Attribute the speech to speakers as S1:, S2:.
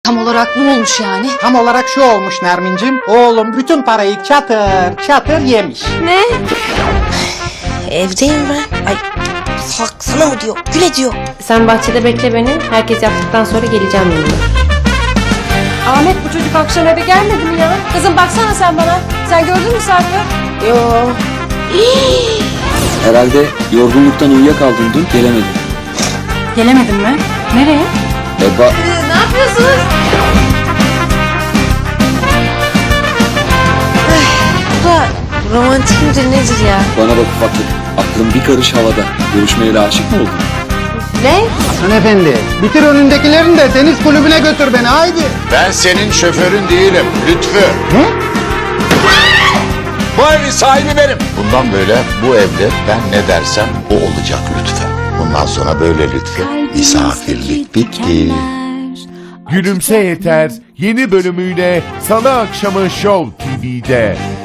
S1: Tam olarak ne olmuş yani?
S2: Tam olarak şu olmuş Nermin'cim. Oğlum bütün parayı çatır çatır yemiş.
S1: Ne?
S3: Evdeyim ben. Ay kalksana mı diyor. Güle diyor.
S4: Sen bahçede bekle beni. Herkes yaptıktan sonra geleceğim yanına.
S5: Ahmet bu çocuk akşam eve gelmedi mi ya? Kızım baksana sen bana. Sen gördün mü Sarp'ı?
S3: Yo.
S6: Herhalde yorgunluktan uyuyakaldın dün, gelemedin.
S5: Gelemedin mi? Nereye?
S6: Eba,
S1: Ne yapıyorsunuz?
S3: Bu da romantik midir nedir ya?
S6: bana bak ufaklık. Aklın bir karış havada. Görüşmeyle aşık mı oldun?
S4: Ne?
S2: Hanımefendi bitir önündekilerini de deniz kulübüne götür beni haydi.
S7: Ben senin şoförün değilim Lütfü.
S2: Ne?
S7: Bu evin sahibi benim. Bundan böyle bu evde ben ne dersem o olacak Lütfü. Bundan sonra böyle Lütfü. Misafirlik bitti.
S8: Gülümse Yeter yeni bölümüyle Salı akşamı Show TV'de.